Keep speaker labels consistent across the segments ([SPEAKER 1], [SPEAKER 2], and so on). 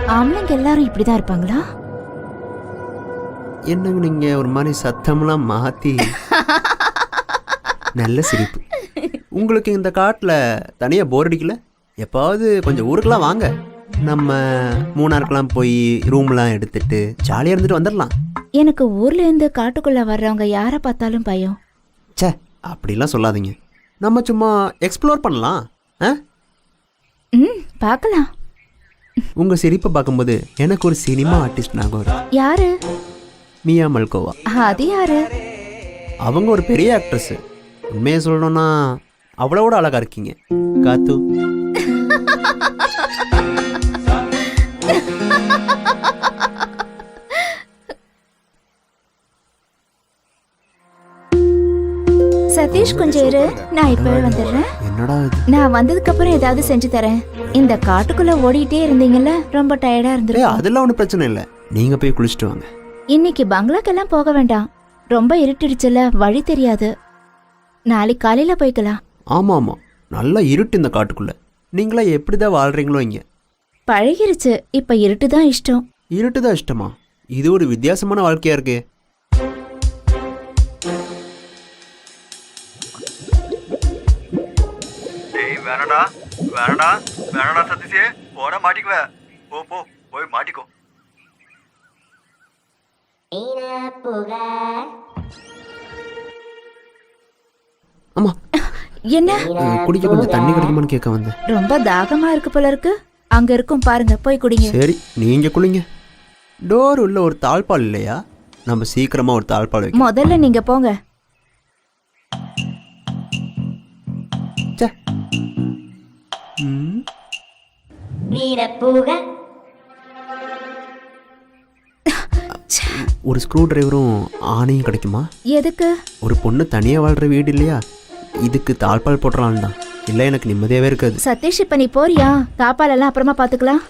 [SPEAKER 1] ஆம்பளைங்க எல்லாரும் இப்படிதான் இருப்பாங்களா?
[SPEAKER 2] என்னங்க நீங்க ஒரு மாதிரி சத்தம்லாம் மாத்தி நல்ல சிரிப்பு. உங்களுக்கு இந்த காட்டில் தனியாக போர் அடிக்கல? எப்பாவது கொஞ்சம் ஊருக்கெல்லாம் வாங்க, நம்ம மூணாருக்கெல்லாம் போய் ரூம்லாம் எடுத்துட்டு ஜாலியாக இருந்துட்டு வந்துடலாம்.
[SPEAKER 1] எனக்கு ஊர்ல இருந்து காட்டுக்குள்ள வர்றவங்க யாரை பார்த்தாலும் பயம்.
[SPEAKER 2] சே, அப்படிலாம் சொல்லாதீங்க. நம்ம சும்மா எக்ஸ்ப்ளோர் பண்ணலாம்.
[SPEAKER 1] பார்க்கலாம்.
[SPEAKER 2] உங்கள் சிரிப்பை பார்க்கும்போது எனக்கு ஒரு சினிமா ஆர்டிஸ்ட் ஞாபகம் வரும்.
[SPEAKER 1] யாரு?
[SPEAKER 2] மியா மல்கோவா.
[SPEAKER 1] அது யாரு?
[SPEAKER 2] அவங்க ஒரு பெரிய ஆக்ட்ரஸ். உண்மையை சொல்லணும்னா அவ்வளோட அழகா இருக்கீங்க காத்து.
[SPEAKER 1] சதீஷ் கொஞ்சம் இரு, நான் இப்பவே வந்துடுறேன்.
[SPEAKER 2] என்னடா இது?
[SPEAKER 1] நான் வந்ததுக்கு அப்புறம் ஏதாவது செஞ்சு தரேன். இந்த காட்டுக்குள்ள ஓடிட்டே இருந்தீங்கல்ல, ரொம்ப டயர்டா இருந்துரும்.
[SPEAKER 2] அதெல்லாம் ஒன்றும் பிரச்சனை இல்லை, நீங்க போய் குளிச்சுட்டு வாங்க.
[SPEAKER 1] இன்னைக்கு பங்களாக்கெல்லாம் போக வேண்டாம், ரொம்ப இருட்டிடுச்சுல, வழி தெரியாது. நாளைக்கு காலையில போய்க்கலாம்.
[SPEAKER 2] ஆமா ஆமா, நல்லா இருட்டு இந்த காட்டுக்குள்ள. நீங்களா எப்படிதான் வாழ்றீங்களோ இங்க.
[SPEAKER 1] பழகிருச்சு, இப்ப இருட்டுதான் இஷ்டம்.
[SPEAKER 2] இருட்டுதான் இஷ்டமா? இது ஒரு வித்தியாசமான வாழ்க்கையா இருக்கு.
[SPEAKER 3] வேணடா வேணடா வேணடா சதீஷே, போட மாட்டிக்குவ. போ போ போய் மாட்டிக்கோ.
[SPEAKER 2] ஆமா,
[SPEAKER 1] என்ன?
[SPEAKER 2] குடிக்க கொஞ்சம் தண்ணி கிடைக்குமான்னு கேட்க வந்தேன்.
[SPEAKER 1] ரொம்ப தாகமா இருக்கு போல இருக்கு. அங்க இருக்கும் பாருங்க, போய் குடிங்க.
[SPEAKER 2] சரி, நீங்க குளிங்க. டோர் உள்ள ஒரு தாழ்பால் இல்லையா? நம்ம சீக்கிரமா ஒரு தாழ்பால் வைக்க.
[SPEAKER 1] முதல்ல நீங்க போங்க.
[SPEAKER 2] ஒரு ஸ்க்ரூ டிரைவரும் ஆணையும் கிடைக்குமா?
[SPEAKER 1] எதுக்கு?
[SPEAKER 2] ஒரு பொண்ணு தனியா வாழ்ற வீடு இல்லையா, இதுக்கு தாழ்பால் போடுறான் தான். இல்ல எனக்கு நிம்மதியாவே இருக்காது.
[SPEAKER 1] சதீஷ், இப்ப நீ போறியா? தாப்பால் எல்லாம் அப்புறமா பாத்துக்கலாம்.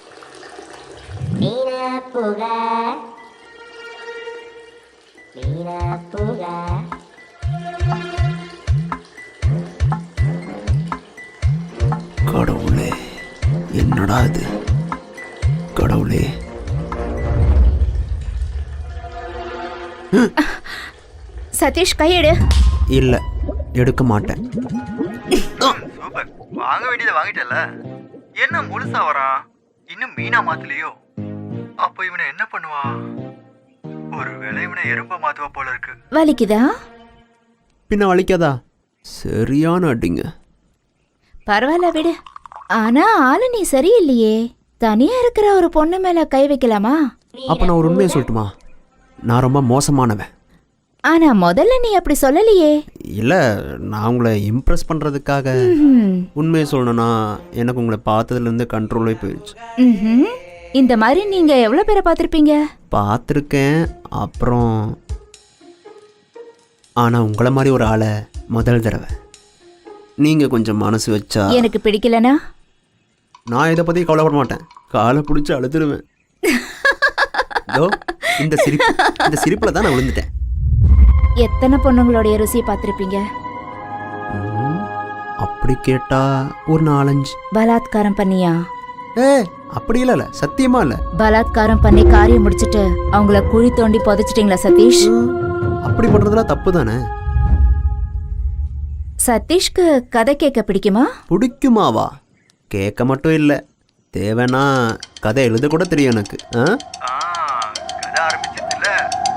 [SPEAKER 2] கடவுளே, என்னடா இது? கடவுளே,
[SPEAKER 1] சதீஷ், கையெடு.
[SPEAKER 2] இல்ல, எடுக்க மாட்டேன்.
[SPEAKER 3] சூப்பர், வாங்க வேண்டியதை வாங்கிட்டல. என்ன முழுசா வரான்? இன்னும் மீனா மாத்தலையோ? அப்ப இவனை என்ன பண்ணுவான்? ஒருவேளை இவனை எறும்ப மாத்துவா போல இருக்கு.
[SPEAKER 1] வலிக்குதா?
[SPEAKER 2] பின்ன வலிக்காதா? சரியான அடிங்க.
[SPEAKER 1] பரவாயில்ல, விடு. ஆனா ஆளு நீ சரியில்லையே. தனியா இருக்கிற ஒரு பொண்ணு மேல கை வைக்கலாமா?
[SPEAKER 2] அப்ப நான் ஒரு உண்மையை சொல்லட்டுமா? நான் ரொம்ப மோசமானவன்.
[SPEAKER 1] ஆனா முதல்ல நீ அப்படி சொல்லலையே.
[SPEAKER 2] இல்ல, நான் உங்களை இம்ப்ரெஸ் பண்றதுக்காக. உண்மையை சொல்லணும்னா எனக்கு உங்களை பார்த்ததுல இருந்து கண்ட்ரோலே போயிடுச்சு.
[SPEAKER 1] இந்த மாதிரி நீங்க எவ்வளவு பேரை பார்த்திருப்பீங்க?
[SPEAKER 2] பார்த்துருக்கேன், அப்புறம் ஆனா உங்களை மாதிரி ஒரு ஆளை முதல் தடவை. நீங்க கொஞ்சம் மனசு வச்சா.
[SPEAKER 1] எனக்கு பிடிக்கலனா
[SPEAKER 2] நான் இதை பத்தி கவலைப்பட மாட்டேன், காலை பிடிச்சி அழுதுடுவேன். இந்த சிரிப்புல தான் நான் விழுந்துட்டேன்.
[SPEAKER 1] எத்தனை பொண்ணுங்களுடைய ருசியை பார்த்திருப்பீங்க?
[SPEAKER 2] அப்படி கேட்டா ஒரு 4-5.
[SPEAKER 1] பலாத்காரம் பண்ணியா?
[SPEAKER 2] அப்படி இல்ல, சத்தியமா இல்ல.
[SPEAKER 1] பலாத்காரம் பண்ணி காரியம் முடிச்சிட்டு அவங்கள குழி தோண்டி புதைச்சிட்டீங்களா சதீஷ்?
[SPEAKER 2] அப்படி பண்றதுலாம் தப்பு தானே.
[SPEAKER 1] சதீஷ்க்கு கதை கேட்க பிடிக்குமா?
[SPEAKER 2] பிடிக்குமாவா? கேட்க மட்டும் இல்ல, தேவைன்னா கதை எழுத கூட தெரியும் எனக்கு.
[SPEAKER 3] கதை ஆரம்பிச்சதுல